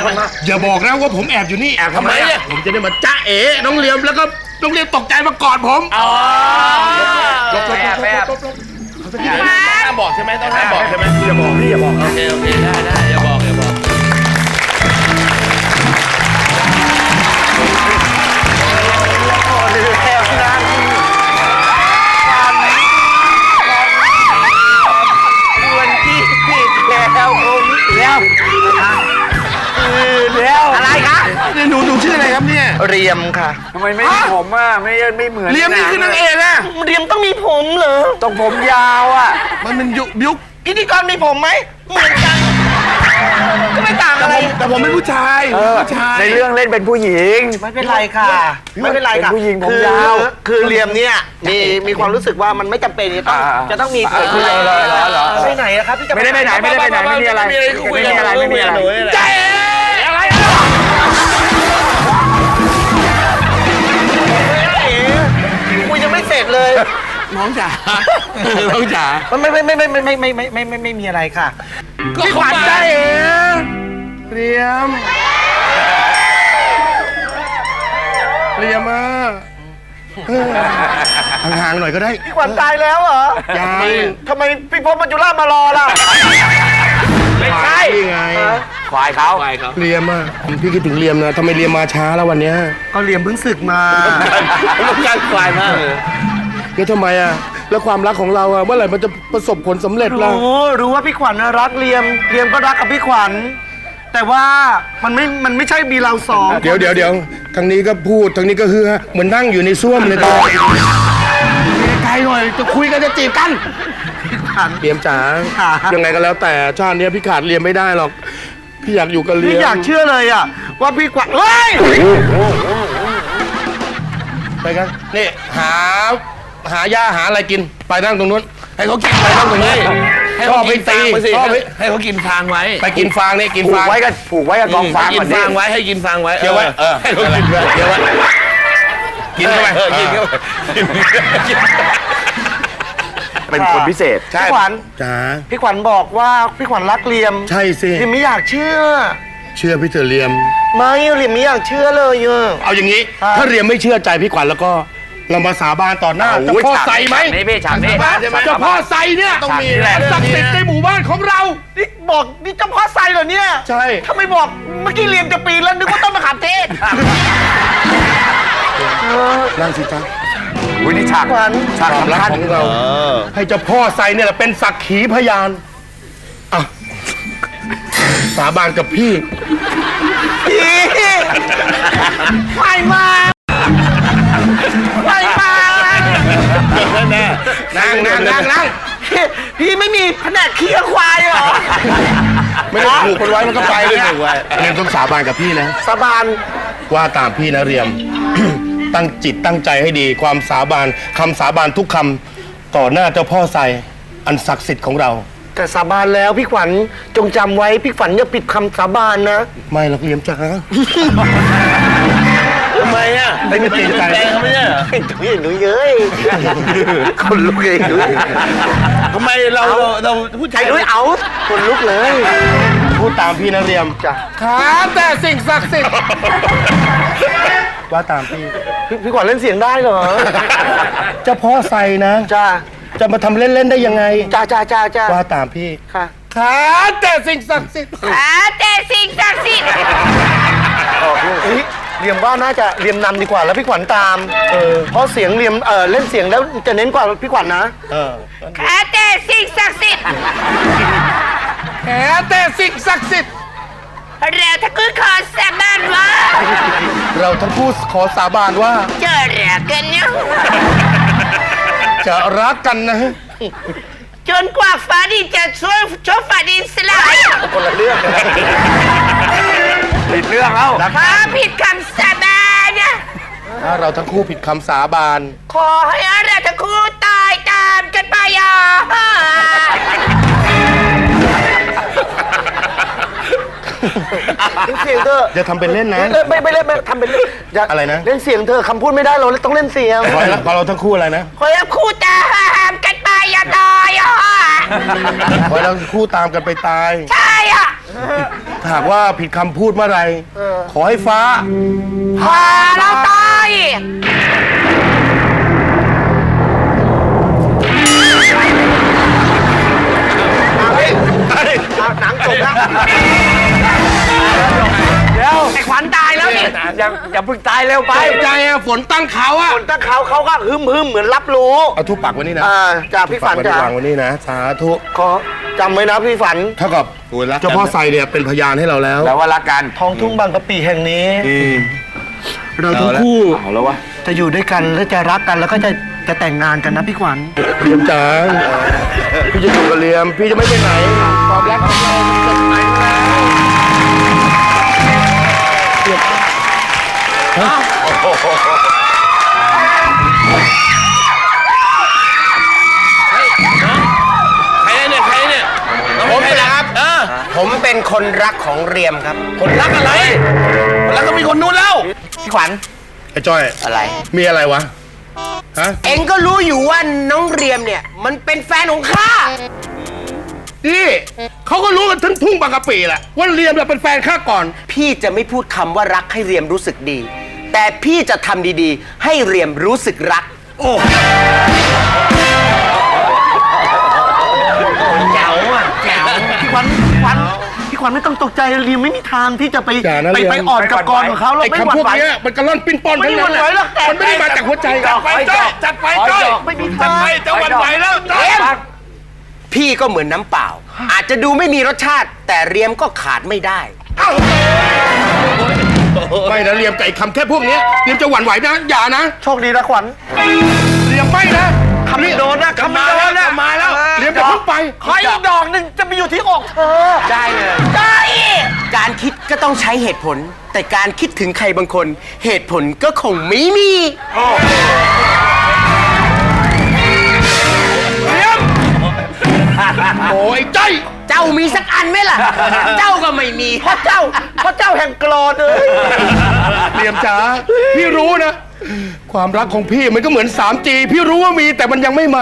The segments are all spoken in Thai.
อย่าบอกนะว่าผมแอบอยู่นี่แอบทำไมอ่ะผมจะได้มาจ้าเอ๋น้องเลียมแล้วก็น้องเลียมตกใจมากอดผมอ๋อแอบห้ามบอกใช่ไหมต้องห้ามบอกใช่ไหมอย่าบอกพี่อย่าบอกโอเคได้อย่าบอกแล้วอะไรคะนี่หนูชื่ออะไรครับเนี่ยเรียมค่ะทำไมไม่ผมอ่ะไม่เหมือนเรียมนี่คือนางเอกอะเรียมต้องมีผมเหรอต้องผมยาวอ่ะมันเป็นยุคพิธีกรมีผมไหมเหมือนกันก็ไม่ต่างอะไรแต่ผมเป็นผู้ชายในเรื่องเล่นเป็นผู้หญิงไม่เป็นไรค่ะไม่เป็นไรค่ะผู้หญิงผมยาวคือเรียมเนี่ยมีความรู้สึกว่ามันไม่จำเป็นจะต้องมีผมไปไหนอะครับพี่จะไม่ได้ไปไหนไม่มีอะไรไม่มีอะไรใจอะไรคุยยังไม่เสร็จเลยน้องจ๋าไม่มีอะไรค่ะพี่ขวัญใจเรียมห่างๆหน่อยก็ได้พี่ขวัญตายแล้วเหรอยังทำไมพี่พบมัจจุราชมารอล่ะไม่ใช่ไงควายเขาเรียมอ่ะพี่คิดถึงเรียมนะทำไมเรียมมาช้าแล้ววันนี้ก็เรียมเพิ่งศึกมาลูกการควายมากเลยแล้วทำไมอ่ะแล้วความรักของเราอ่ะเมื่อไหร่มันจะประสบผลสำเร็จล่ะรู้ว่าพี่ขวัญรักเรียมก็รักกับพี่ขวัญแต่ว่ามันไม่ใช่มีเราสองเดี๋ยวทางนี้ก็พูดทางนี้ก็ฮือฮะเหมือนนั่งอยู่ในส้วมเลยตอนไกลหน่อยจะคุยกันจะจีบกันเรียมจ๋ายังไงก็แล้วแต่ชาตินี้พี่ขาดเรียมไม่ได้หรอกพี่อยากอยู่กับเรียมพี่อยากเชื่อเลยอ่ะว่าพี่ขวัญเฮ้ยไปกันนี่หาหญ้าหาอะไรกินไปนั่งตรงนู้นให้เขากินไปนั่งตรงนี้ให้เขากินฟางไปให้เขากินฟางไว้ไปกินฟางนี่กินฟางผูกไว้กับกองฟางกินฟางไว้ให้กินฟางไว้เคี้ยวไว้ให้เขากินไว้เคี้ยวไว้กินเข้าไปกินเข้าไปเป็นคนพิเศษพี่ขวัญจ๋าพี่ขวัญบอกว่าพี่ขวัญรักเรียมใช่สิเรียมไม่อยากเชื่อพี่เถอะเรียมไม่เรียมไม่อยากเชื่อเลยเอาอย่างนี้ถ้าเรียมไม่เชื่อใจพี่ขวัญแล้วก็เรามาสาบานต่อหน้าเจ้าพ่อไซไหมนี่ฉากนี้เจ้าพ่อไซเนี่ยต้องมีศักดิ์สิทธิ์ในหมู่บ้านของเรานี่บอกนี่เจ้าพ่อไซเหรอเนี่ยใช่ถ้าไม่บอกเมื่อกี้เรียมจะปีนแล้วนึกว่าต้นมะขามเทศนั่งสิจ๊ะนี่ฉากความรักของเราให้เจ้าพ่อไซเนี่ยเป็นสักขีพยานสาบานกับพี่ไม่มานั่งพี่ไม่มีแผนกเคี้ยวควายเหรอไม่ได้ผูกคนไว้มันก็ไปเลยเรียมต้องสาบานกับพี่นะสาบานว่าตามพี่นะเรียม ตั้งจิตตั้งใจให้ดีความสาบานคำสาบานทุกคำต่อหน้าเจ้าพ่อไซอันศักดิ์สิทธิ์ของเราแต่สาบานแล้วพี่ขวัญจงจำไว้พี่ขวัญอย่าผิดคำสาบานนะไม่หรอกเรียมจ๋าทำไมอ่ะไม่เกรงใจเขาไม่ใช่เหรอหนูเย้ยคนลุกเลยหนูทำไมเราผู้ชายด้วยเอาคนลุกเลยพูดตามพี่นะเรียมจ้ะขาแต่สิ่งศักดิ์สิทธิ์ว่าตามพี่ขวัญเล่นเสียงได้เหรอเจ้าพ่อไซนะจ้าจะมาทำเล่นๆได้ยังไงจ้าว่าตามพี่ค่ะขาแต่สิ่งศักดิ์สิทธิ์ขาแต่สิ่งศักดิ์สิทธิ์เรียมว่าน่าจะเรียมนำดีกว่าแล้วพี่ขวัญตามเพราะเสียงเรียมเล่นเสียงแล้วจะเน้นกว่าพี่ขวัญนะขาแต่สิ่งศักดิ์สิทธิ์ขาแต่สิ่งศักดิ์สิทธิ์เราทั้งคู่ขอสาบานว่าเราทั้งคู่ขอสาบานว่าจะรักกันนะจะรักกันนะจนกว่าฟ้าดินจะช่วยฟ้าดินสลายคนละเรื่องผิดเรื่องแล้วถ้าผิดคำสาบานนะถ้าเราทั้งคู่ผิดคำสาบานขอให้เราทั้งคู่ตายตามกันไปเสียงเธออย่าทำเป็นเล่นนะไม่เล่นทำเป็นเล่นอะไรนะเล่นเสียงเธอคำพูดไม่ได้เราต้องเล่นเสียงขอเราทั้งคู่อะไรนะขอให้คู่ตามกันไปตายขอเราคู่ตามกันไปตายใช่ถ้าหากว่าผิดคำพูดเมื่อไหรขอให้ฟ้าพาเราตายหนังจบแล้วเดี๋ยวไอ้ขวัญตายแล้วนี่อย่าเพิ่งตายเร็วไปใจอะฝนตั้งเขาอะคนตั้งเขาก็ฮึมเหมือนรับรู้เอาทุบปากไว้นี่นะจากพี่ฝันปากไว้จ้ะวางไว้นี่นะสาธุขอจำไว้นะพี่ฝันเท่ากับเจ้าพ่อไซเนี่ยเป็นพยานให้เราแล้วแล้วว่ารักกันท้องทุ่งบางกะปิแห่งนี้เราทั้งคู่เอาแล้ววะจะอยู่ด้วยกันและจะรักกันแล้วก็จะแต่งงานกันนะพี่ขวัญเลียมจ๋าพี่จะอยู่กับเลียม พี่จะไม่ไปไหนความรักของเราจะไปแล้วใครเนี่ยใครเนี่ยผมนะครับผมเป็นคนรักของเรียมครับ คนรักอะไร คนรักก็มีคนนู้นแล้วพี่ขวัญไอ้จ้อยอะไรมีอะไรวะ ฮะเอ็งก็รู้อยู่ว่าน้องเรียมเนี่ย มันเป็นแฟนของข้านี่เขาก็รู้กันทั้งทุ่งบางกะปิแหละว่าเลียมเนี่ยเป็นแฟนข้าก่อนพี่จะไม่พูดคำว่ารักให้เรียมรู้สึกดี แต่พี่จะทำดีๆ ให้เรียมรู้สึกรัก โอ้เจ๋วอ่ะเจ๋วพี่ขวัญไม่ต้องตกใจเรียมไม่มีทางที่จะไปอย่านะเรียมไปอ่อนกับกรของเขาเราไอ้ไม่หวั่คำนพวกไหวเนี้ยมันกระล่อนปิ้นป้อนทั้งนั้นไม่หวั่นไหวหรอกแต่มันไม่ได้มาจากหัวใจจัดไปจ้อยจัดไปจ้อยไม่มีทางจะหวั่นไหวแล้วจ้อยพี่ก็เหมือนน้ำเปล่า อาจจะดูไม่มีรสชาติ แต่เรียมก็ขาดไม่ได้ไม่นะเลียมกับไอ้คำแค่พวกเนี้ยเลียมจะหวั่นไหวนะอย่านะโชคดีนะขวัญเลียมไม่นะคำไม่โดนนะคำไม่โดนนะมาแล้วเลียมจะเพิ่งไปขออีกดอกหนึ่งจะไปอยู่ที่อกเธอได้เลยการคิดก็ต้องใช้เหตุผล แต่การคิดถึงใครบางคน เหตุผลก็คงไม่มีโอ้ยจ้อยเจ้ามีสักอันไหมล่ะ เจ้าก็ไม่มีเพราะเจ้าแห่งกรอนเลยเลียมจ๋าพี่รู้นะ ความรักของพี่มันก็เหมือน 3G พี่รู้ว่ามีแต่มันยังไม่มา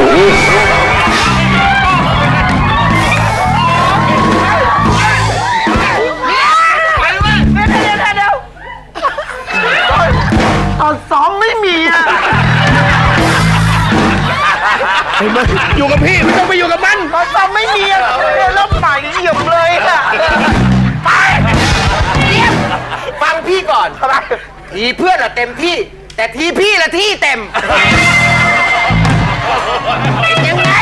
ตอนซ้อมไม่มีอ่ะเห็นไหมอยู่กับพี่ไม่ต้องไปอยู่กับมันตอนซ้อมไม่มีอ่ะแล้วใหม่เหยียบเลยอ่ะฟังพี่ก่อนทีเพื่อนอะเต็มที่ แต่ทีพี่ละที่เต็มเป็นยังไง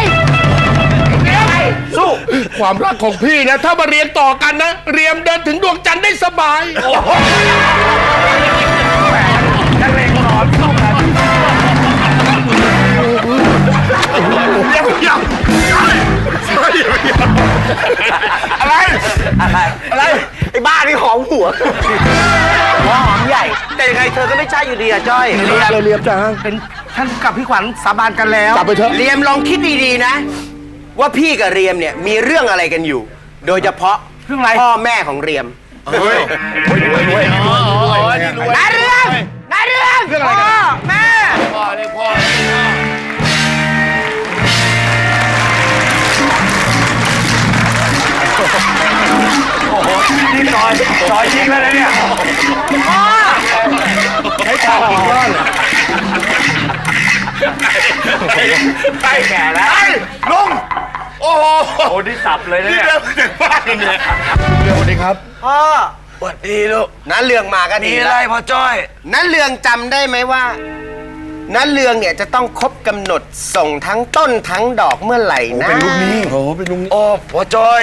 สู้ความรักของพี่นะ ถ้ามาเรียนต่อกันนะ เรียมเดินถึงดวงจันทร์ได้สบายอะไรไอ้บ้านี่หอมหัวหัวหอมใหญ่ แต่ยังไงเธอก็ไม่ใช่อยู่ดีอ่ะจ้อยเรียมจ๋าเป็นท่านกับพี่ขวัญสาบานกันแล้วกลับไปเถอะเรียมลองคิดดีๆนะ ว่าพี่กับเรียมเนี่ยมีเรื่องอะไรกันอยู่ โดยเฉพาะเรื่องอะไรพ่อแม่ของเรียมนาเรื่องนาเรื่องเรื่องอะไรกันพ่อแม่นี่ซอยจริงแล้วนะเนี่ยใช้ตากี่ก้อนอะใกล้แก่แล้วลุง โอ้โหโอ้นี่สับเลยนะนี่เนี่ยเดินถึงบ้านเนี่ยเรียมสวัสดีครับพ่อสวัสดีลูกน้าเรืองมาก็ดีมีอะแล้ไรวพ่อจ้อยน้าเรืองจำได้ไหมว่าน้าเรืองเนี่ยจะต้องครบกำหนดส่งทั้งต้นทั้งดอกเมื่อไหร่นะเป็นลูกนี้โอ้เป็นลูกนี้โอ้พ่อจ้อย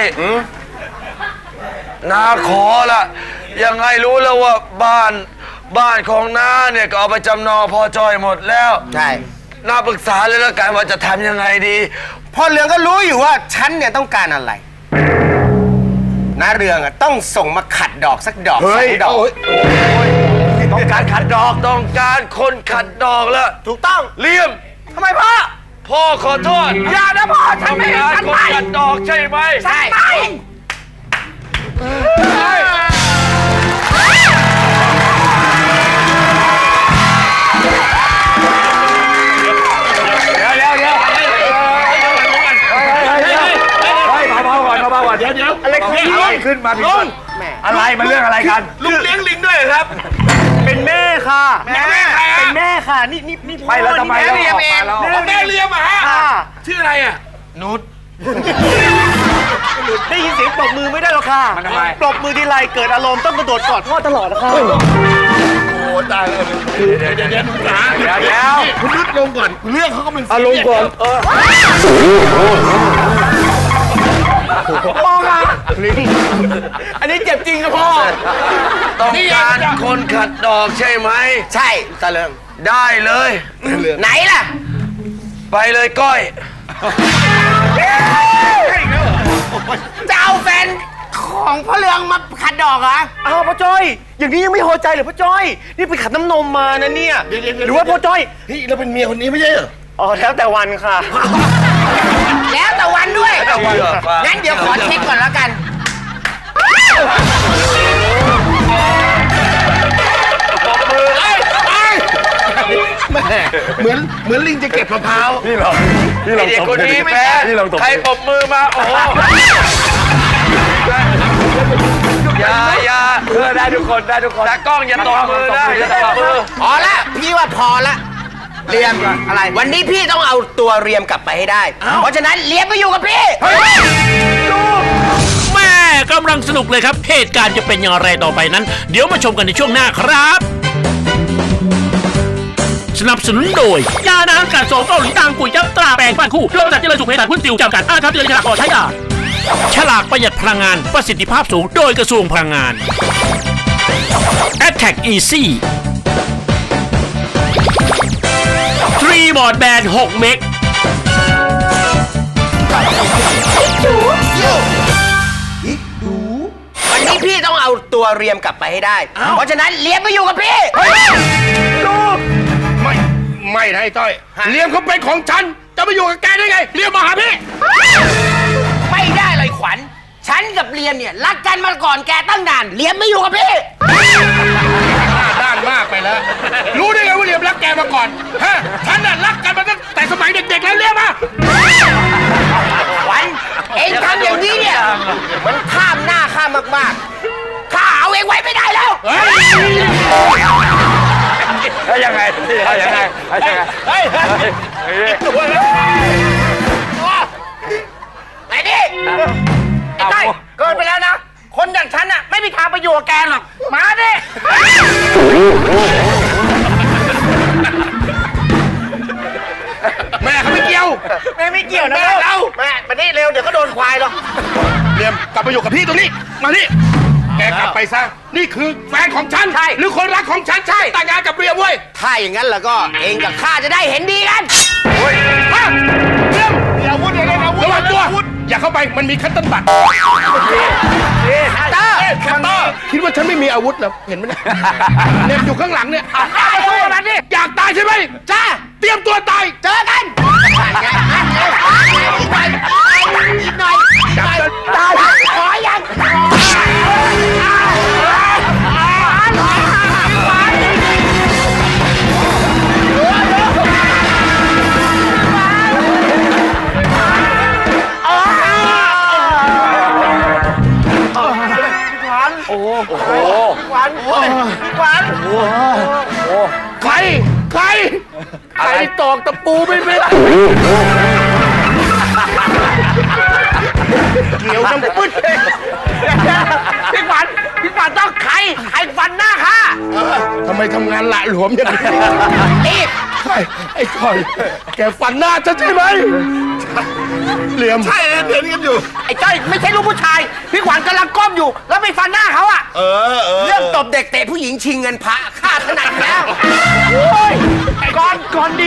น้าขอละยังไงรู้แล้วว่าบ้านของน้าเนี่ยก็เอาไปจำนองพ่อจ้อยหมดแล้วใช่น้าปรึกษาเลยแล้วกันว่าจะทำยังไงดีพ่อเรืองก็รู้อยู่ว่าฉันเนี่ยต้องการอะไรน้าเรืองอะต้องส่งมาขัดดอกสักดอกเฮ้สยองดอกโอ้ยต้องการขัดดอกต้องการคนขัดดอกแล้วถูกต้องเลี่ยมทำไมพ่อพ่อขอโทษอย่านะพ่อฉัต้นองไม่การฉันคนไม่ขัดดอกใช่ไหมใช่ไม่เดี๋ยวเฮ้ยเบาๆก่อนเบาๆก่อนเดี๋ยวอะไรของพี่ขึ้นมาถึงลุงอะไรมันเรื่องอะไรกันลุงเลี้ยงลิงด้วยเหรอครับเป็นแม่ค่ะแม่ใครเป็อะนแม่ค่ะ นี่ไม่แล้วทำไมแม่เราเลี้ยงออกเอมาง แล้วแม่เลี้ยงมาฮะค่ะชื่ออะไรอ่ะนุชได้ยินเสียงปรบมือไม่ได้หรอกค่ะมันทำไมปรบมือทีไรเกิดอารมณ์ต้องกระโดดกอดพ่อตลอดนะคะโอ้ตายเลยเดี๋ยวลุงจ๋าเดี๋ยวคุณนุชลงก่อนเรื่องเขาก็เป็นลงก่อนพ่อค่ะอันนี้เจ็บจริงนะพ่อต้องการคนขัดดอกใช่ไหมใช่ตาเรืองได้เลยไหนล่ะไปเลยก้อยจะเอาแฟนของพ่อเรืองมาขัดดอกเหรออ้าวพ่อจ้อย อย่างนี้ยังไม่พอใจเหรอพ่อจ้อย นี่ไปขัดน้ำนมมานะเนี่ย หรือว่าพ่อจ้อยเฮ้ยเราเป็นเมียคนนี้ไม่ใช่เหรออ๋อแล้วแต่วันค่ะแล้วแต่วันด้วยแล้วแต่วันเหรองั้นเดี๋ยวขอเช็คก่อนแล้วกันแม่เหมือนลิงจะเก็บมะพร้าวนี่เราไอเด็กคนนี้ไม่แพ้นี่เราตบใครปรบมือมา โอ้โหอย่าได้ทุกคนได้ทุกคนตากล้องอย่าตบมือนะอย่าตบมือพอละพี่ว่าพอละเรียมอะไร วันนี้พี่ต้องเอาตัวเรียมกลับไปให้ได้ เพราะฉะนั้นเรียมไปอยู่กับพี่แม่กำลังสนุกเลยครับ เหตุการณ์จะเป็นอย่างไรต่อไปนั้น เดี๋ยวมาชมกันในช่วงหน้าครับ สนับสนุนโดย ยาน้ำกัดโสมเกาหลีตังกุยจับตราแปลงบ้านคู่โลจัดเจริญสุขเพศหุ้นซิวจำกัดครับเจริญฉลากก่อใช้ยาฉลากประหยัดพลังงานประสิทธิภาพสูงโดยกระทรวงพลังงาน Attack Easy 3 บอร์ดแบน6 เมกวันนี้พี่ต้องเอาตัวเรียมกลับไปให้ได้ เพราะฉะนั้นเรียมไปอยู่กับพี่ไม่นะไอ้ต้อยเลี้ยงเขาเป็นของฉันจะไปอยู่กับแกได้ไงเลี้ยงมาหาพี่ไม่ได้เลยขวัญ ฉันกับเรียมเนี่ยรักกันมาก่อนแกตั้งนานเรียมไม่อยู่กับพี่หน้าด้านมากไปแล้ว รู้ได้ไงว่าเลี้ยงรักแกมาก่อนฮะฉันน่ะรักกันมาตั้งแต่สมัยเด็กๆแล้วเลี้ยงมาขวัญ เองทำอย่างนี้เนี่ย มันข้ามหน้าข้ามมากๆข้าเอาเองไว้ไม่ได้แล้วเฮ้ยแล้วยังไงยังไงเฮ้ยไอ้นี่ไอ้ต้อยเกินไปแล้วนะ คนอย่างฉันน่ะไม่มีทางไปอยู่กับแกหรอก มาดิแม่เขาไม่เกี่ยวแม่ไม่เกี่ยวนะแม่เราแม่มานี่เร็วเดี๋ยวก็โดนควายหรอกเลี้ยงกลับไปอยู่กับพี่ตรงนี้มานี่แกกลับไปซะนี่คือแฟนของฉันใช่หรือคนรักของฉันใช่แต่งงานกับเรียมเว้ยถ้าอย่างนั้นแล้วก็เองกับข้าจะได้เห็นดีกันฮะเรียมอย่าอาวุธอย่าเล่นอาวุธระวังตัวอย่าเข้าไปมันมีคัตเติ้ลบัตรคัตเตอร์คัตเตอร์คิดว่าฉันไม่มีอาวุธเหรอเห็นไหมเนี่ยเหน็บอยู่ข้างหลังเนี่ยข้ามาสู้กันดิอยากตายใช่ไหมจ้าเตรียมตัวตายเจอกันอีกหน่อยอีกหน่อยตายขอยังใครใครใครตอกตะปูไม่เป็นเกี่ยวน้ำปึ๊ดพี่ขวัญต้องใครฟันหน้าข้าทำไมทำงานละหลวมอย่างนี้รีบใช่ไอ้จอยแกฟันหน้าฉันใช่ไหมเหลี่ยมใช่เห็นกันอยู่ไอ้จ้อยไม่ใช่ลูกผู้ชาย พี่ขวัญกำลังก้มอยู่ แล้วไปฟันหน้าเขาอะเรื่องตบเด็กเตะผู้หญิงชิงเงินพระฆ่าถนัดแล้วก่อนดี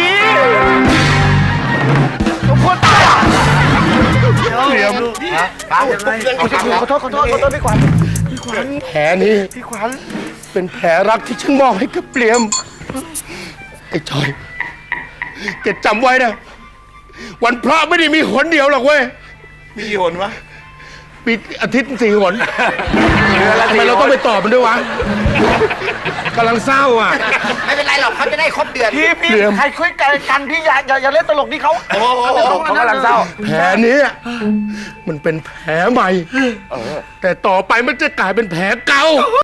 เหลี่ยมขอโทษพี่ขวัญแผลนี้พี่ขวัญเป็นแผลรักที่ฉันมอบให้กับเหลี่ยมไอ้จอยแกจำไว้นะวันพระไม่ได้มีหนเดียวหรอกเว้ยมีกี่หนวะปีอาทิตย์4 หนทำไมเราต้องไปตอบมันด้วยวะกำลังเศร้าอ่ะไม่เป็นไรหรอกเขาจะได้ครบเดือนพี่เหลี่ยมใครคุยกันพี่อย่าเล่นตลกนี่เขาเขากำลังเศร้าแผลนี้มันเป็นแผลใหม่ แต่ต่อไปมันจะกลายเป็นแผลเก่า